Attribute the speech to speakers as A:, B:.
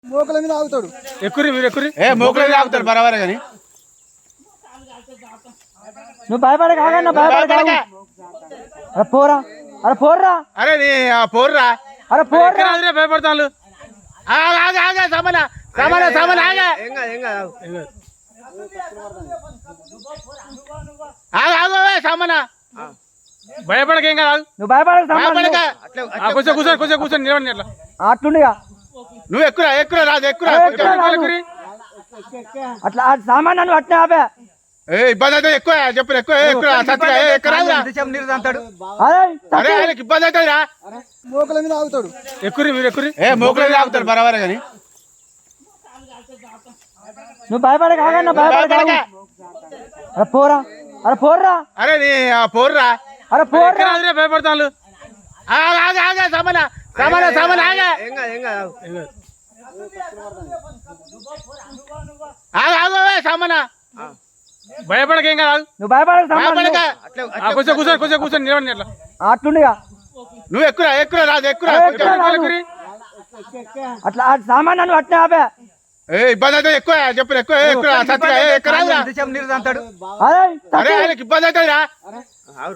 A: మోకల మీద ఆగుతాడు.
B: ఎక్కురి మీరు ఎక్కురి.
C: మోకల మీద ఆగుతాడు బరాబరే కానీ
A: నువ్వు భయపడక ఆగన్నా, భయపడక అరే పోరా, అరే పోర్రా,
C: అరే నీ పోర్రా,
A: అరే పోర్రా,
B: భయపడతాను. భయపడక ఏం కాదు.
A: నువ్వు భయపడక
B: కొంచెం కూర్చొని కొంచెం కూర్చొని నిలబడి అట్లా
A: అట్లుండిగా.
C: నువ్వు ఎక్కురా ఎక్కురా రాదు ఎక్కురా
A: అట్లా సామాన్ నువ్వు అట్నే ఆపే.
C: ఇబ్బంది అయితే ఎక్కువ చెప్పు ఎక్కువ ఇబ్బంది అవుతుంది రా.
A: మోకల మీద ఆగుతాడు.
B: ఎక్కురి మీరు ఎక్కురి.
C: మోకల మీద ఆగుతాడు బరాబరే కానీ
A: నువ్వు భయపడక ఆగన్నా, భయపడక అరే పోరా, అరే పోర్రా,
C: అరే నీ పోర్రా,
A: అరే పోర్రా,
B: భయపడతాను. భయపడక ఏం కాదు.
A: నువ్వు భయపడక
B: కొంచెం కూర్చొని కొంచెం కూర్చొని నిలబడి అట్లా
A: అట్లుండిగా.
C: నువ్వు ఎక్కురా ఎక్కురా రాదు ఎక్కురా
A: అట్లా సామాన్ నువ్వు అట్నే ఆపే.
C: ఇబ్బంది అయితే ఎక్కువ చెప్పు ఎక్కువ
A: అరే
C: ఇబ్బంది అవుతుంది రా.